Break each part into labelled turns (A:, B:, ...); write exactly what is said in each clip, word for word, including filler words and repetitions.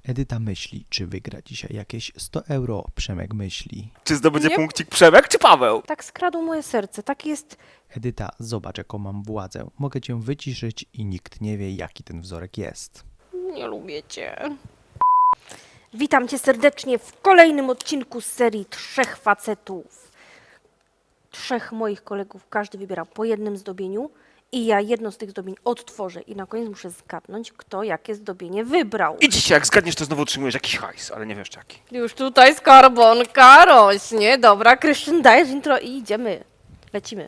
A: Edyta myśli, czy wygra dzisiaj jakieś sto euro. Przemek myśli.
B: Czy zdobędzie
C: Nie.
B: punkcik Przemek, czy Paweł?
C: Tak skradł moje serce, tak jest...
A: Edyta, zobacz jaką mam władzę. Mogę cię wyciszyć i nikt nie wie jaki ten wzorek jest.
C: Nie lubię cię. Witam cię serdecznie w kolejnym odcinku z serii Trzech Facetów. Trzech moich kolegów, każdy wybiera po jednym zdobieniu i ja jedno z tych zdobień odtworzę i na koniec muszę zgadnąć, kto jakie zdobienie wybrał.
B: I dzisiaj, jak zgadniesz, to znowu otrzymujesz jakiś hajs, ale nie wiesz jaki.
C: Już tutaj skarbonka rośnie. Dobra, Krystian, dajesz intro i idziemy. Lecimy.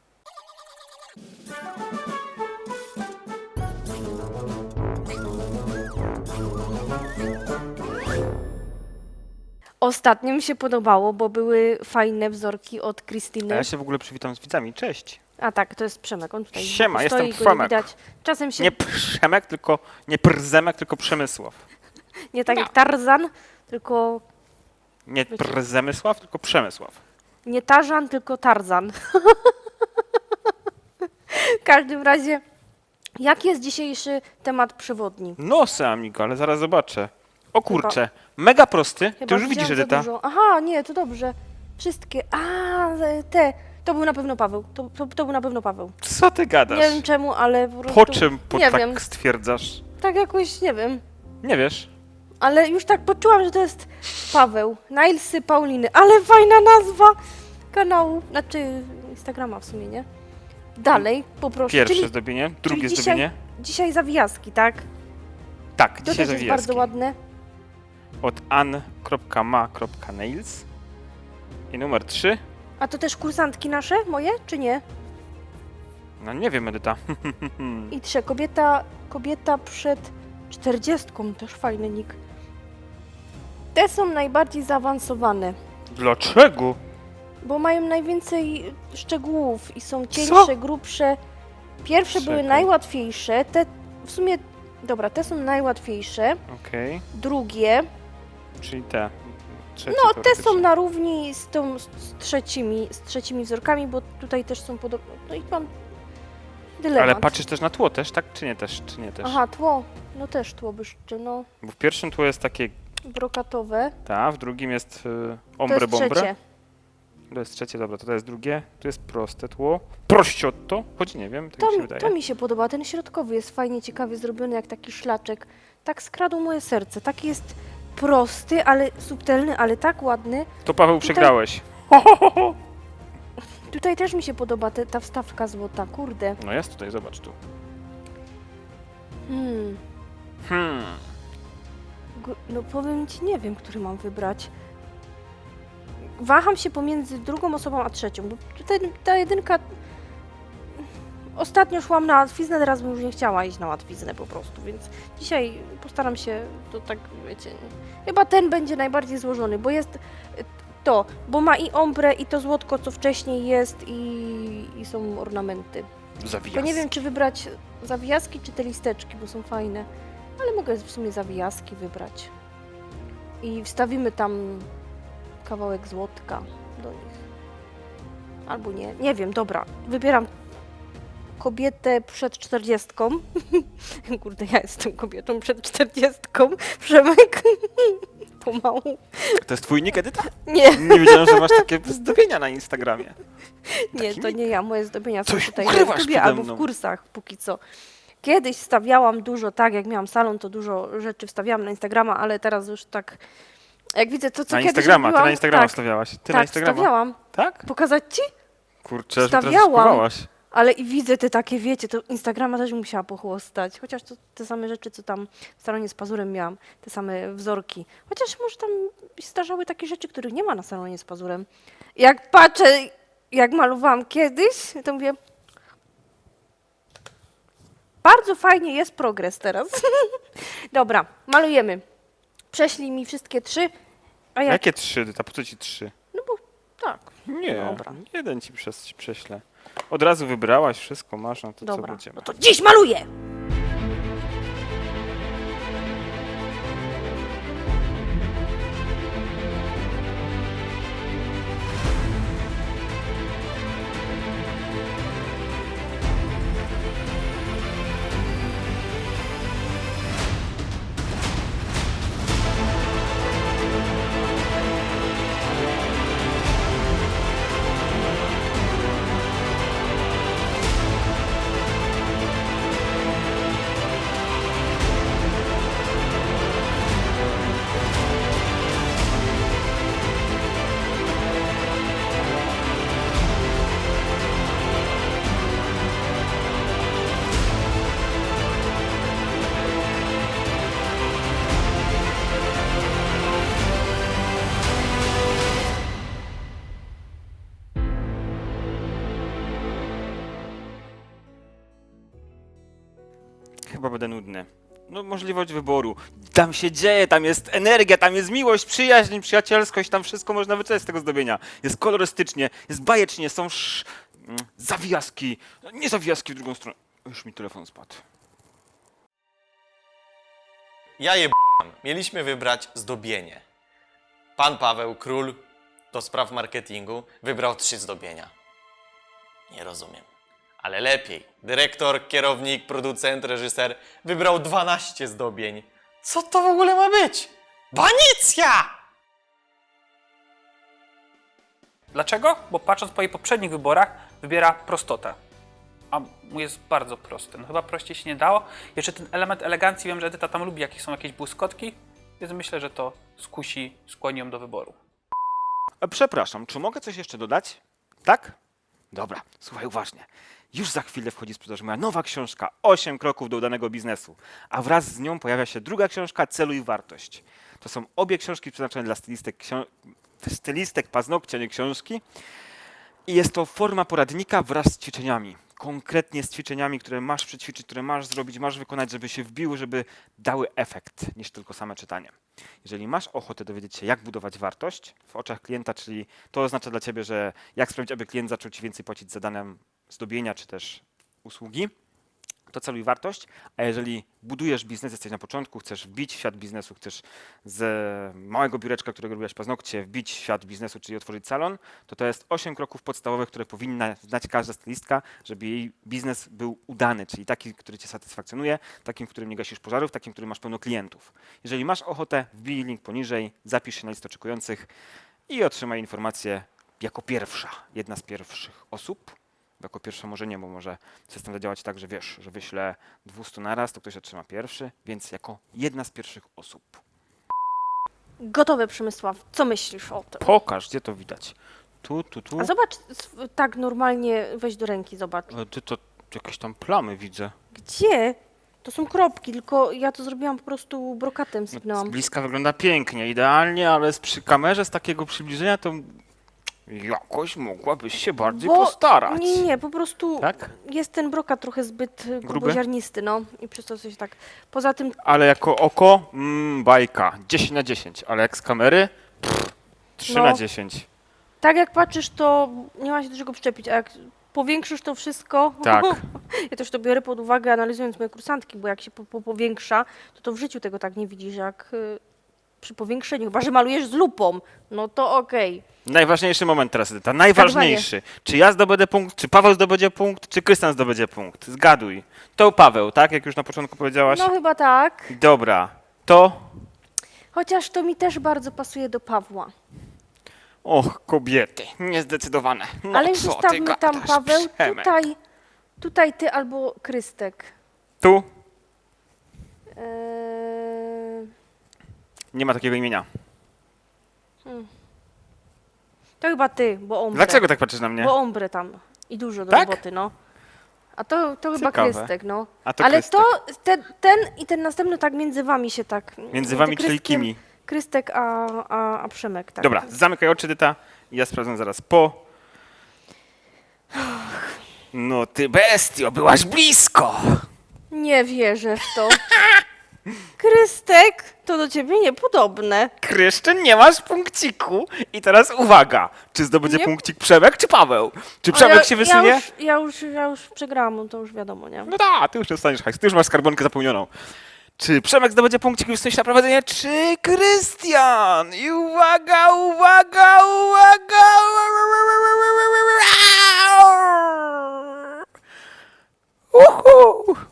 C: Ostatnio mi się podobało, bo były fajne wzorki od
B: A
C: Krystyny.
B: ja się w ogóle przywitam z widzami. Cześć.
C: A tak, to jest Przemek, on tutaj
B: Siema,
C: stoi,
B: jestem
C: go nie
B: Przemek.
C: widać. Czasem się
B: Nie
C: nie,
B: Przemek, tylko nie Przemek, tylko Przemysław.
C: tak jak Tarzan, tylko
B: Nie
C: Wiecie.
B: Przemysław, tylko Przemysław.
C: nie Tarzan, tylko Tarzan. W każdym razie, jaki jest dzisiejszy temat przewodni?
B: No, amigo, ale zaraz zobaczę. O kurczę, mega prosty. Ty
C: Chyba
B: już widzisz,
C: wziąłem za
B: Edyta.
C: dużo. Aha, nie, to dobrze. Wszystkie. A, te. To był na pewno Paweł. To, to, to był na pewno Paweł.
B: Co ty gadasz?
C: Nie wiem czemu, ale po prostu...
B: Po czym po
C: nie
B: tak
C: wiem.
B: stwierdzasz?
C: Tak jakoś, nie wiem.
B: Nie wiesz?
C: Ale już tak poczułam, że to jest Paweł. Nilesy Pauliny. Ale fajna nazwa kanału. Znaczy Instagrama w sumie, nie? Dalej, poproszę.
B: Pierwsze
C: Czyli,
B: zdobienie, drugie
C: czyli dzisiaj,
B: zdobienie.
C: dzisiaj zawijaski, tak?
B: Tak,
C: To
B: dzisiaj
C: też jest
B: zawijski.
C: bardzo ładne.
B: Od an kropka ma kropka nails. I numer trzy.
C: A to też kursantki nasze, moje, czy nie?
B: No nie wiem, Edyta.
C: I trzy. Kobieta, kobieta przed czterdziestką. Też fajny nick. Te są najbardziej zaawansowane,
B: Dlaczego?
C: bo mają najwięcej szczegółów i są cieńsze, grubsze. Pierwsze były
B: Czekaj.
C: najłatwiejsze. Te w sumie, dobra, te są najłatwiejsze.
B: Okej,
C: Drugie,
B: czyli te. Trzecie
C: no te
B: teoretycznie.
C: są na równi z, tą, z trzecimi, z trzecimi wzorkami, bo tutaj też są podobne. No i mam dylemat.
B: Ale patrzysz też na tło też, tak? Czy nie też? Czy nie też?
C: Aha, tło. No też tło byszczy, no.
B: Bo w pierwszym tło jest takie
C: Brokatowe.
B: ta, w drugim jest y,
C: To
B: ombre
C: jest
B: bombre.
C: trzecie.
B: To jest trzecie, dobra, to, to jest drugie. Tu jest proste tło. Prościotto, choć nie wiem, tak
C: To,
B: mi się
C: mi-
B: wydaje.
C: to mi się podoba. Ten środkowy jest fajnie, ciekawie zrobiony, jak taki szlaczek. Tak skradł moje serce. Taki jest prosty, ale subtelny, ale tak ładny.
B: To Paweł
C: Tutaj-
B: przegrałeś.
C: Tutaj też mi się podoba te, ta wstawka złota. Kurde.
B: No jest tutaj, zobacz tu.
C: Hmm.
B: Hmm.
C: Gu- No powiem ci, nie wiem, który mam wybrać. Waham się pomiędzy drugą osobą a trzecią, bo tutaj ta jedynka... Ostatnio szłam na łatwiznę, teraz bym już nie chciała iść na łatwiznę po prostu, więc dzisiaj postaram się, to tak wiecie, chyba ten będzie najbardziej złożony, bo jest y, to, bo ma i ombre, i to złotko, co wcześniej jest, i, i są ornamenty.
B: Zawijaz.
C: Tylko nie wiem, czy wybrać zawijaski, czy te listeczki, bo są fajne. Ale mogę w sumie zawijaski wybrać. I wstawimy tam kawałek złotka do nich. Albo nie. Nie wiem, dobra. Wybieram kobietę przed czterdziestką. Kurde, ja jestem kobietą przed czterdziestką. Przemek. Pomału.
B: To jest twój nick, Edyta?
C: Nie,
B: Nie wiedziałem, że masz takie zdobienia na Instagramie.
C: nie,
B: Taki
C: to nie ja. Moje zdobienia są
B: Coś
C: tutaj na
B: ukrywasz
C: YouTubie
B: przede
C: albo
B: mną.
C: w kursach póki co. Kiedyś stawiałam dużo, tak, jak miałam salon, to dużo rzeczy wstawiałam na Instagrama, ale teraz już tak, jak widzę to, co
B: Na
C: kiedyś
B: Instagrama, ty
C: robiłam,
B: na Instagrama
C: tak,
B: stawiałaś. Ty
C: tak,
B: na Instagrama.
C: stawiałam.
B: Tak?
C: Pokazać ci?
B: Kurczę, że teraz
C: Stawiałam.
B: spróbowałaś.
C: Ale i widzę te takie, wiecie, to Instagrama też musiała pochłostać. Chociaż to te same rzeczy, co tam w salonie z pazurem miałam, te same wzorki. Chociaż może tam zdarzały takie rzeczy, których nie ma na salonie z pazurem. Jak patrzę, jak malowałam kiedyś, to mówię, bardzo fajnie jest progres teraz. Dobra, malujemy. Prześlij mi wszystkie trzy, a ja...
B: Jakie trzy, Edyta? Po co ci trzy?
C: No bo tak,
B: Nie,
C: Dobra.
B: jeden ci przez, prześlę. Od razu wybrałaś, wszystko masz, no to co
C: dobra.
B: będziemy?
C: No to dziś maluję!
B: będę nudny. No możliwość wyboru. Tam się dzieje, tam jest energia, tam jest miłość, przyjaźń, przyjacielskość, tam wszystko można wyczuć z tego zdobienia. Jest kolorystycznie, jest bajecznie, są sz... mm, zawijaski. Nie zawijaski w drugą stronę. Już mi telefon spadł.
D: Ja je b***am. Mieliśmy wybrać zdobienie. Pan Paweł, król do spraw marketingu, wybrał trzy zdobienia. Nie rozumiem. Ale lepiej. Dyrektor, kierownik, producent, reżyser wybrał dwanaście zdobień. Co to w ogóle ma być? Banicja!
E: Dlaczego? Bo patrząc po jej poprzednich wyborach, wybiera prostotę. A mu jest bardzo prosty. No chyba prościej się nie dało. Jeszcze ten element elegancji, wiem, że Edyta tam lubi, jakieś są jakieś błyskotki, więc myślę, że to skusi, skłoni ją do wyboru.
B: E, Przepraszam, czy mogę coś jeszcze dodać? Tak? Dobra, słuchaj uważnie. Już za chwilę wchodzi w sprzedaż moja nowa książka osiem kroków do udanego biznesu, a wraz z nią pojawia się druga książka Celuj wartość. To są obie książki przeznaczone dla stylistek, ksią... stylistek paznokcia, nie książki. I jest to forma poradnika wraz z ćwiczeniami. Konkretnie z ćwiczeniami, które masz przećwiczyć, które masz zrobić, masz wykonać, żeby się wbiły, żeby dały efekt, niż tylko same czytanie. Jeżeli masz ochotę dowiedzieć się, jak budować wartość w oczach klienta, czyli to oznacza dla ciebie, że jak sprawić, aby klient zaczął ci więcej płacić za dane zdobienia czy też usługi, to celuj wartość, a jeżeli budujesz biznes, jesteś na początku, chcesz wbić w świat biznesu, chcesz z małego biureczka, którego robiłaś paznokcie, wbić w świat biznesu, czyli otworzyć salon, to to jest osiem kroków podstawowych, które powinna znać każda stylistka, żeby jej biznes był udany, czyli taki, który cię satysfakcjonuje, takim, w którym nie gasisz pożarów, takim, w którym masz pełno klientów. Jeżeli masz ochotę, wbij link poniżej, zapisz się na listę oczekujących i otrzymaj informację jako pierwsza, jedna z pierwszych osób. Jako pierwsze może nie, bo może system zadziałać tak, że wiesz, że wyślę dwieście naraz, to ktoś otrzyma pierwszy, więc jako jedna z pierwszych osób.
C: Gotowe, Przemysław. Co myślisz o tym?
B: Pokaż, gdzie to widać. Tu, tu, tu.
C: A zobacz, s- tak normalnie weź do ręki, zobacz.
B: E, Ty to jakieś tam plamy widzę.
C: Gdzie? To są kropki, tylko ja to zrobiłam po prostu brokatem,
B: No, z
C: sypnęłam.
B: bliska wygląda pięknie, idealnie, ale z przy kamerze z takiego przybliżenia to jakoś mogłabyś się bardziej
C: Bo-
B: postarać.
C: Nie, nie, po prostu
B: Tak?
C: jest ten brokat trochę zbyt y,
B: Gruby?
C: gruboziarnisty, no i przez to coś tak. Poza tym,
B: Ale jako oko, mm, bajka, dziesięć na dziesięć, ale jak z kamery, pff, trzy
C: No.
B: na dziesięć.
C: tak jak patrzysz, to nie ma się do czego przyczepić, a jak powiększysz to wszystko,
B: Tak.
C: ja też to biorę pod uwagę, analizując moje kursantki, bo jak się po, po, powiększa, to to w życiu tego tak nie widzisz, jak y, przy powiększeniu, chyba że malujesz z lupą, no to okej.
B: Najważniejszy moment teraz, Edyta, najważniejszy. Czy ja zdobędę punkt, czy Paweł zdobędzie punkt, czy Krystian zdobędzie punkt? Zgaduj. To Paweł, tak? Jak już na początku powiedziałaś?
C: No chyba tak,
B: Dobra. To...
C: chociaż to mi też bardzo pasuje do Pawła.
B: Och, kobiety, niezdecydowane. No
C: Ale już
B: co ty
C: zostawmy tam,
B: gadasz,
C: Paweł,
B: Przemek?
C: tutaj, tutaj ty albo Krystek.
B: Tu
C: Eee,
B: nie ma takiego imienia.
C: to chyba ty, bo ombre.
B: Dlaczego tak patrzysz na mnie?
C: Bo ombre tam i dużo do
B: Tak?
C: roboty, no. A to, to chyba
B: Ciekawe.
C: Krystek, no.
B: A to
C: Ale
B: Krystek.
C: to ten, ten i ten następny tak między wami się tak...
B: Między wami, czyli
C: Krystkiem-
B: kimi?
C: Krystek, a, a, a Przemek, tak.
B: Dobra, zamykaj oczy, Edyta. i Ja sprawdzę zaraz po. No ty bestio, byłaś blisko.
C: Nie wierzę w to. Krystek, to do ciebie niepodobne.
B: Kryszczyn, nie masz punkciku. I teraz uwaga, czy zdobędzie
C: Nie-
B: punkcik Przemek czy Paweł? Czy
C: A
B: Przemek
C: ja,
B: się wysunie?
C: Ja już, ja już, ja już przegrałam, to już wiadomo, nie?
B: No tak, ty już dostaniesz hajs, ty już masz skarbonkę zapełnioną. Czy Przemek zdobędzie punkcik i wstąpi na prowadzenie, czy Krystian? I uwaga, uwaga, uwaga! Uhu!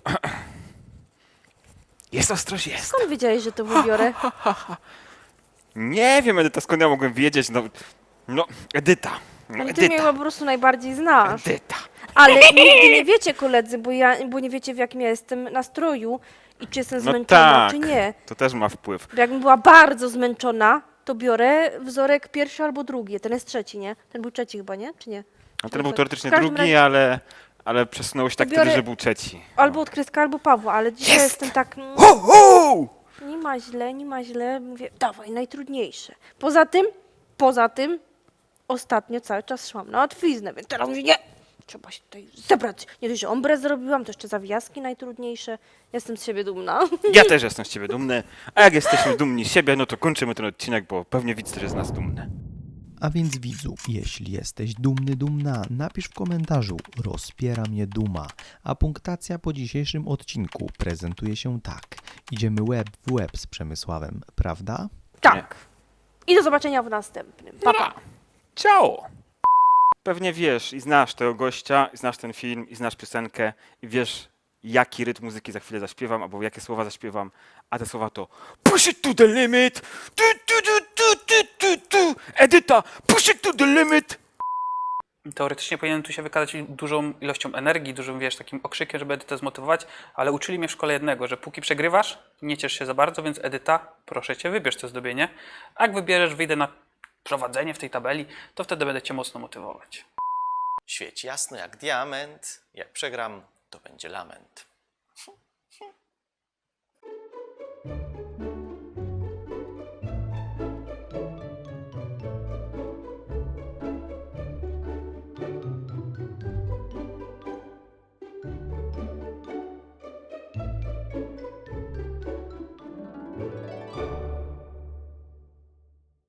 B: Jest ostrość, jest.
C: Skąd wiedziałeś, że to wybiorę?
B: Nie wiem, Edyta, skąd ja mogłem wiedzieć? No, no Edyta. No,
C: Ale ty mnie
B: Edyta.
C: chyba po prostu najbardziej znasz.
B: Edyta.
C: Ale nigdy nie wiecie, koledzy, bo, ja, bo nie wiecie, w jakim ja jestem nastroju i czy jestem
B: No
C: zmęczona,
B: tak.
C: czy nie.
B: To też ma wpływ.
C: Bo jakbym była bardzo zmęczona, to biorę wzorek pierwszy albo drugi. Ten jest trzeci, nie? Ten był trzeci chyba, nie? Czy nie?
B: A ten był
C: W
B: teoretycznie
C: każdym
B: drugi,
C: razie-
B: ale, ale przesunąłeś tak
C: Biorę-
B: wtedy, że był trzeci.
C: Albo od Kryska, albo Pawła, ale dzisiaj
B: Jest!
C: jestem tak... mm,
B: Hu, hu!
C: Nie ma źle, nie ma źle. Mówię, dawaj, najtrudniejsze. Poza tym, poza tym, ostatnio cały czas szłam na łatwiznę, więc teraz mówię, nie, Trzeba się tutaj zebrać. Nie dość, że ombre zrobiłam, to jeszcze zawijaski najtrudniejsze. Jestem z siebie dumna.
B: Ja też jestem z ciebie dumny, a jak jesteśmy dumni z siebie, no to kończymy ten odcinek, bo pewnie widz też jest z nas dumny.
A: A więc widzu, jeśli jesteś dumny, dumna, napisz w komentarzu rozpiera mnie duma, a punktacja po dzisiejszym odcinku prezentuje się tak. Idziemy łeb w łeb z Przemysławem, prawda?
C: Tak. I do zobaczenia w następnym. Pa, pa.
B: Ciao! Pewnie wiesz i znasz tego gościa, i znasz ten film, i znasz piosenkę, i wiesz, jaki rytm muzyki za chwilę zaśpiewam, albo jakie słowa zaśpiewam, a te słowa to push it to the limit, tu, tu, tu, tu, tu, tu, tu. Edyta, push it to the limit.
E: Teoretycznie powinienem tu się wykazać dużą ilością energii, dużym, wiesz, takim okrzykiem, żeby Edytę zmotywować, ale uczyli mnie w szkole jednego, że póki przegrywasz, nie ciesz się za bardzo, więc Edyta, proszę cię, wybierz to zdobienie. A jak wybierzesz, wyjdę na prowadzenie w tej tabeli, to wtedy będę cię mocno motywować.
D: Świeć jasno jak diament. Jak przegram, to będzie lament.